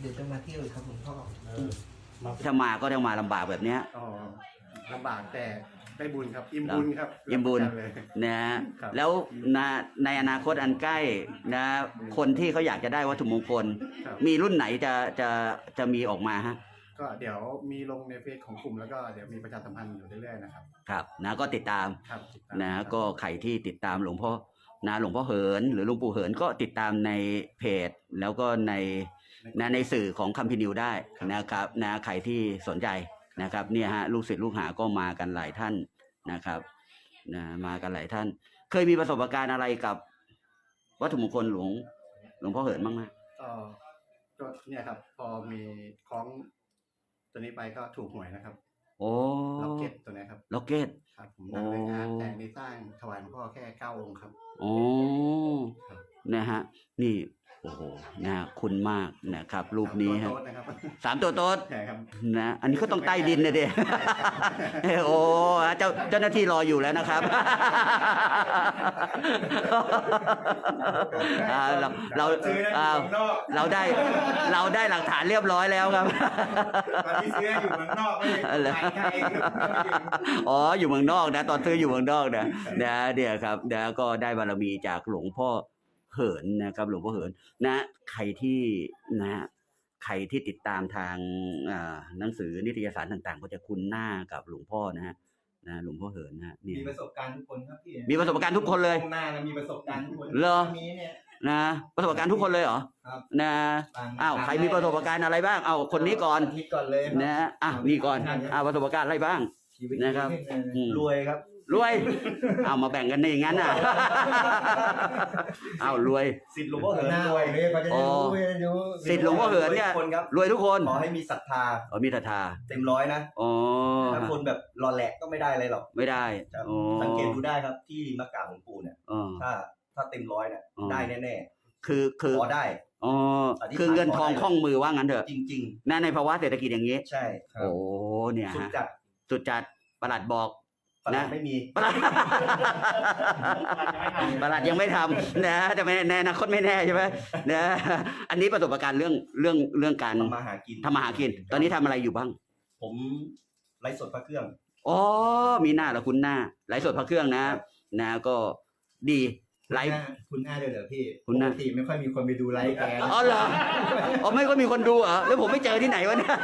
เดี๋ยวจะมาเที่ยวครับหลวงพ่อถ้ามาก็ต้องมาลำบากแบบเนี้ยลำบากแต่ได้บุญครับอิ่มบุญครับอิ่มบุญนะแล้วในอนาคตอันใกล้นะคนที่เขาอยากจะได้วัตถุมงคลมีรุ่นไหนจะมีออกมาฮะก็เดี๋ยวมีลงในเฟซของกลุ่มแล้วก็เดี๋ยวมีประชาสัมพันธ์อยู่เรื่อยๆนะครับครับนะก็ติดตามนะก็ใครที่ติดตามหลวงพ่อนะหลวงพ่อเหินหรือหลวงปู่เหินก็ติดตามในเพจแล้วก็ในสื่อของคัมภีร์นิวได้นะครับนะใครที่สนใจนะครับเนี่ยฮะลูกศิษย์ลูกหาก็มากันหลายท่านนะครับนะมากันหลายท่านเคยมีประสบการณ์อะไรกับวัตถุมงคลหลวงพ่อเหินบ้างไหมก็เนี่ยครับพอมีคล้องตัวนี้ไปก็ถูกหวยนะครับโอ้ล็อกเก็ตตัวนี้ครับล็อกเก็ตครับผมนำไปงานแต่งในสร้างถวายหลวงพ่อแค่9 องค์ครับโอ้นะฮะนี่โอ้โหนะคุณมากนะครับรูปนี้ฮะ3 ตัวโต๊ดนะอันนี้ก็ต้องใต้ดินเลยเด้โอ้เจ้าหน้าที่รออยู่แล้วนะครับเราได้หลักฐานเรียบร้อยแล้วครับตอนที่ซื้ออยู่เมืองนอกไม่ได้ใช่อ๋ออยู่เมืองนอกนะตอนซื้ออยู่เมืองนอกนะเดี๋ยวครับก็ได้บารมีจากหลวงพ่อเหินนะครับหลวงพ่อเหินนะใครที่ติดตามทางหนังสือนิตยสารต่างๆก็จะคุ้นหน้ากับหลวงพ่อนะหลวงพ่อเหินนะมีประสบการณ์ทุกคนครับพี่มีประสบการณ์ทุกคนเลยหน้ามีประสบการณ์ทุกคนเหรอมีเนี่ยนะประสบการณ์ทุกคนเลยเหรอนะใครมีประสบการณ์อะไรบ้างคนนี้ก่อนเลยนะนี่ก่อนประสบการณ์อะไรบ้างนะครับรวยครับรวยมาแบ่งกันในอย่างนั้นรวยสิทธิ์หลวงพ่อเหินรวยเนี่ยเขาจะรู้สิทธิ์หลวงพ่อเหินเนี่ยรวยทุกคนขอให้มีศรัทธามีศรัทธาเต็ม100นะถ้าคนแบบรอแหลกก็ไม่ได้อะไรหรอกไม่ได้สังเกตดูได้ครับที่มากราบหลวงปู่เนี่ยถ้าเต็ม100เนี่ยได้แน่ๆคือขอได้คือเงินทองคล่องมือว่างั้นเถอะจริงๆในภาวะเศรษฐกิจอย่างนี้ใช่โอ้เนี่ยฮะสุดจัดประหลัดบอกนะไม่มีประหลัดยังไม่ทำนะแต่แน่นะคนไม่แน่ใช่ไหมนะอันนี้ประสบการณ์เรื่องการทำมาหากินตอนนี้ทำอะไรอยู่บ้างผมไลฟ์สดพระเครื่องมีหน้าแล้วคุณหน้าไลฟ์สดพระเครื่องนะก็ดีไลฟ์คุณหน้าเลยเหรอพี่ปกติไม่ค่อยมีคนไปดูไลฟ์แกเหรอไม่ค่อยมีคนดูแล้วผมไม่เจอที่ไหนวะเนี่ย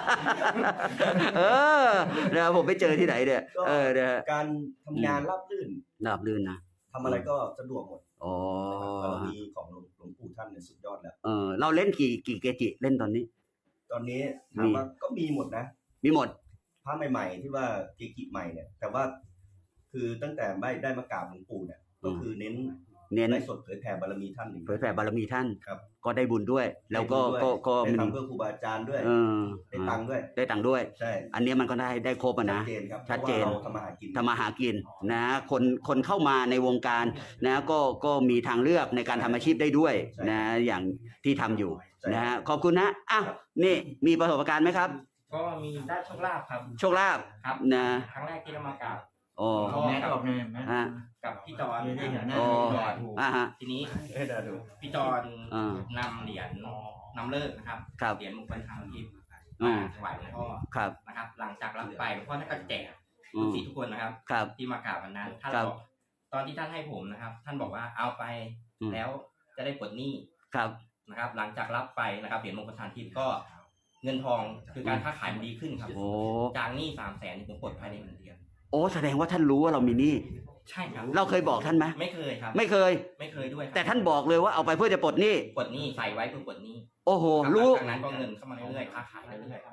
ผมไปเจอที่ไหนเนี่ยการทำงานราบรื่นนะทำอะไรก็สะดวกหมดบารมีของหลวงปู่ท่านเนี่ยสุดยอดแล้วเราเล่นกี่เกจิเล่นตอนนี้ถามว่าก็มีหมดนะมีหมดพระใหม่ๆที่ว่าเกจิใหม่เนี่ยแต่ว่าคือตั้งแต่ไม่ได้มากราบหลวงปู่เนี่ยก็คือเน้นไลฟ์สดเผยแผ่บารมีท่านเผยแผ่บารมีท่านครับก็ได้บุญด้วยแล้วก็ได้ทำเพื่อครูบาอาจารย์ด้วยได้ตังค์ด้วยใช่อันนี้มันก็ได้ครบนะชัดเจนทำมาหากินนะคนเข้ามาในวงการนะก็มีทางเลือกในการทำอาชีพได้ด้วยนะอย่างที่ทำอยู่นะขอบคุณนะนี่มีประสบการณ์ไหมครับก็มีได้โชคลาภครับโชคลาภครับนะครั้งแรกที่เรามากราบแม่ก็บอกกับพี่จอนทีนี้พี่จอนนำเหรียญนำเลิกนะครับเหรียญมงคลทางทิพย์ถวายหลวงพ่อนะครับหลังจากรับไปหลวงพ่อท่านก็แจกลูกศิษย์ทุกคนนะครับที่มากราบวันนั้นท่านบอกตอนที่ท่านให้ผมนะครับท่านบอกว่าเอาไปแล้วจะได้ปลดหนี้นะครับหลังจากรับไปนะครับเหรียญมงคลทางทิพย์ก็เงินทองคือการค้าขายมันดีขึ้นครับจากหนี้300,000ผมปลดภายใน1 เดือนแสดงว่าท่านรู้ว่าเรามีหนี้ใช่ครับเราเคยบอกท่านไหมไม่เคยครับไม่เคยด้วยแต่ท่านบอกเลยว่าเอาไปเพื่อจะปลดหนี้ใส่ไว้เพื่อปลดหนี้โอ้โหรู้จากนั้นก็เงินเข้ามาเรื่อยๆค้าขายเรื่อย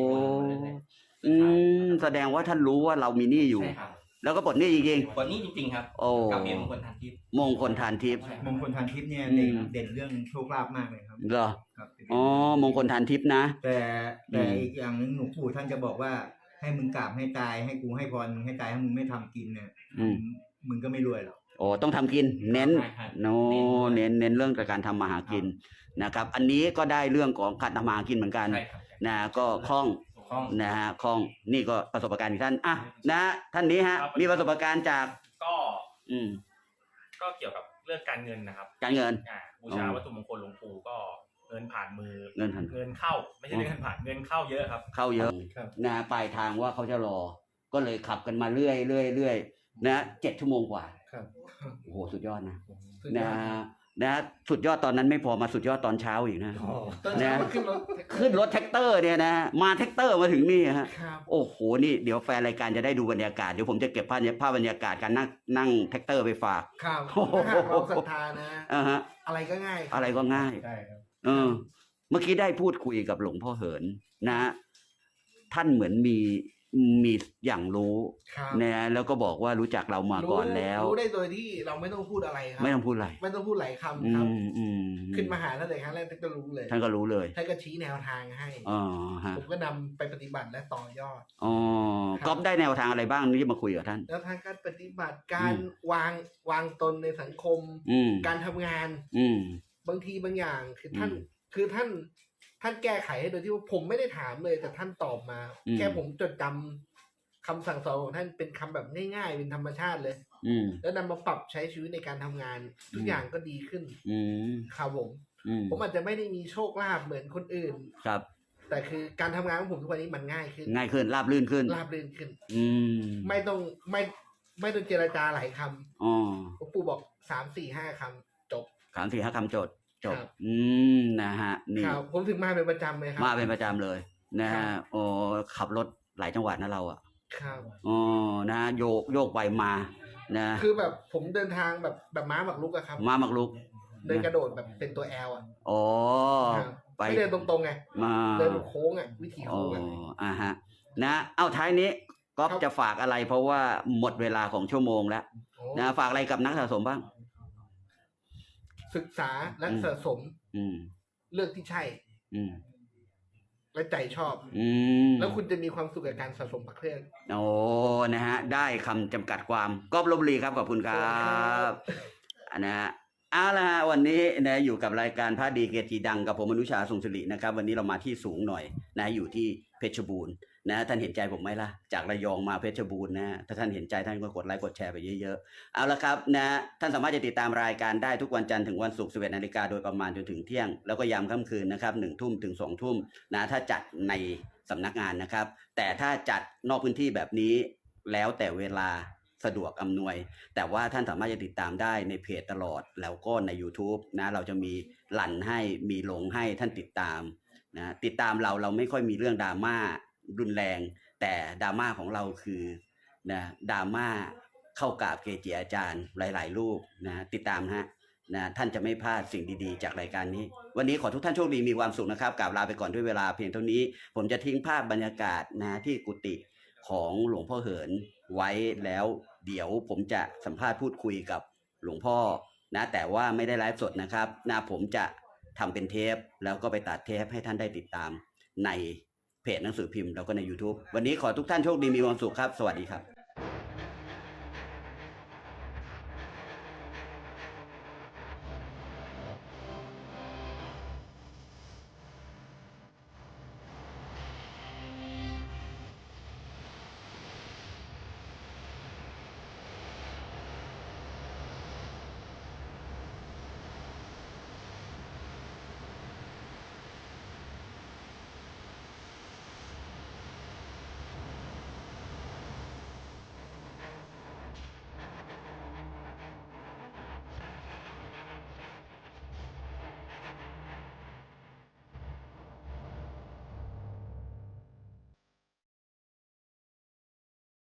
ๆแสดงว่าท่านรู้ว่าเรามีหนี้อยู่แล้วก็ปลดหนี้จริงๆปลดหนี้จริงๆครับกับเหรียญมงคลทานทิพย์มงคลทานทิพย์เนี่ยเด่นเรื่องโชคลาภมากเลยครับเหรอมงคลทานทิพย์นะแต่อีกอย่างนึงหลวงปู่ท่านจะบอกว่าให้มึงกราบให้ตายให้กูให้พรมึงให้ตายให้มึงไม่ทำกินเนี่ยมึงก็ไม่รวยหรอกต้องทำกินเน้นเน้นเรื่องการทำมาหากินนะครับอันนี้ก็ได้เรื่องของการทำมาหากินเหมือนกันนะก็คล่องนะฮะคล่องนี่ก็ประสบการณ์ของท่านนะท่านนี้ฮะมีประสบการณ์จากก็เกี่ยวกับเรื่องการเงินนะครับการเงินบูชาวัตถุมงคลหลวงปู่ก็เงิงินผ่านมือเงินผ่านเงินเข้าไม่ใช่เงินผ่านเงินเข้าเยอะครับเข้าเยอะครับนะปลายทางว่าเขาจะรอ ก็เลยขับกันมาเรื่อยนะ7 ชั่วโมงกว่าครับโอ้โหสุดยอดนะสุดยนะอดครับนะสุดยอดตอนนั้นไม่พอมาสุดยอดตอนเช้าอีกนะตอนเช้านะมันขึ้นรถขึ้นรถแท็กเตอร์เนี่ยนะมาแท็กเตอร์มาถึงนี่ฮะครับโอ้โหนี่เดี๋ยวแฟนรายการจะได้ดูบรรยากาศเดี๋ยวผมจะเก็บภาพบรรยากาศการนั่งแท็กเตอร์ไปฝากครับโอ้โหถ้าหากเราศรัทธานะอ่าฮะอะไรก็ง่ายครับอะไรก็ง่ายใช่ครับเออ เมื่อกี้ได้พูดคุยกับหลวงพ่อเหินนะ ท่านเหมือนมีอย่างรู้ครับนะแล้วก็บอกว่ารู้จักเรามาก่อนแล้วรู้ได้โดยที่เราไม่ต้องพูดอะไรครัไม่ต้องพูดอะไรไม่ต้องพูดหลายอืคำครับมขึ้นมาหาท่านเลยครั้งแรกท่านก็รู้เลยท่านก็รู้เลยท่านก็ชี้แนวทางให้อ๋อฮะผมก็นำไปปฏิบัติและต่อยอดอ๋อครับก๊อฟได้แนวทางอะไรบ้างที่มาคุยกับท่านแล้วทางการปฏิบัติการวางตนในสังคมอืมการทำงานอืมบางทีบางอย่างคือท่านอืมคือท่านแก้ไขให้โดยที่ว่าผมไม่ได้ถามเลย แต่ท่านตอบมาอืมแค่ผมจดจำคำสั่งสอนของท่านเป็นคำแบบง่ายๆเป็นธรรมชาติเลยอืมแล้วนำมาปรับใช้ชีวิตในการทำงาน ทุกอย่างก็ดีขึ้นอืมครับผมอืมผมอาจจะไม่ได้มีโชคลาภเหมือนคนอื่นครับแต่คือการทำงานของผมทุกวันนี้มันง่ายขึ้นง่ายขึ้นราบรื่นขึ้นราบรื่นขึ้นอืมไม่ต้องเจรจาหลายคอ๋อำหลวงปู่บอก3-4-5 คำจบ 3-4-5 คำจบครับอืมนะฮะนี่ครับผมถึงมาเป็นประจำเลยครัมาเป็นประจำเลยนะครัฮะบโอ้ขับรถหลายจังหวัดนะเราอ่ะครับอ๋อนะโยกไปมานะคือแบบผมเดินทางแบบม้าหมักลุกอะครับมาหมักลุกเดินกระโดดแบบเป็นตัวแอลอะอ๋อครับไปไม่เดินตรงๆไงมาเดินโค้งอะวิถีอ๋อโค้งอะอ่าฮะนะเอาท้ายนี้ก๊อฟครับจะฝากอะไร เพราะว่าหมดเวลาของชั่วโมงแล้วโอ้นะฝากอะไรกับนักสะสมบ้างศึกษาและสะสมอืมเลือกที่ใช่อืมและใจชอบอืมแล้วคุณจะมีความสุขกับการสะสมพระเครื่องโอ้นะฮะ ได้คำจำกัดความก๊อฟลพบุรีครับ ขอบคุณครับนะฮะเอาละฮะวันนี้นะอยู่กับรายการพระดีเกจิดังกับผมอนุชาทรงศิรินะครับ วันนี้เรามาที่สูงหน่อยนะอยู่ที่เพชรบูรณ์นะท่านเห็นใจผมไหมล่ะ จากระยองมาเพชรบูรณ์นะถ้าท่านเห็นใจท่านก็กดไลค์กดแชร์ไปเยอะๆเอาละครับนะท่านสามารถจะติดตามรายการได้ทุกวันจันทร์ถึงวันศุกร์ 11 นาฬิกาโดยประมาณจนถึงเที่ยงแล้วก็ยามค่ำคืนนะครับ 1 ทุ่มถึง 2 ทุ่มนะถ้าจัดในสำนักงานนะครับ แต่ถ้าจัดนอกพื้นที่แบบนี้แล้วแต่เวลาสะดวกอำนวย แต่ว่าท่านสามารถจะติดตามได้ในเพจตลอดแล้วก็ใน YouTube นะเราจะมีหลั่นให้มีลงให้ท่านติดตามนะติดตามเราไม่ค่อยมีเรื่องดราม่ารุนแรง แต่ดราม่าของเราคือนะดราม่าเข้ากราบเกจิอาจารย์หลายๆรูปนะติดตามฮะนะท่านจะไม่พลาดสิ่งดีๆจากรายการนี้ วันนี้ขอทุกท่านโชคดีมีความสุขนะครับกราบลาไปก่อนด้วยเวลาเพียงเท่านี้ ผมจะทิ้งภาพบรรยากาศนะที่กุฏิของหลวงพ่อเหินไว้แล้วเดี๋ยวผมจะสัมภาษณ์พูดคุยกับหลวงพ่อนะแต่ว่าไม่ได้ไลฟ์สดนะครับนะผมจะทำเป็นเทปแล้วก็ไปตัดเทปให้ท่านได้ติดตามในเพจหนังสือพิมพ์แล้วก็ใน YouTube วันนี้ขอทุกท่านโชคดีมีความสุขครับสวัสดีครับ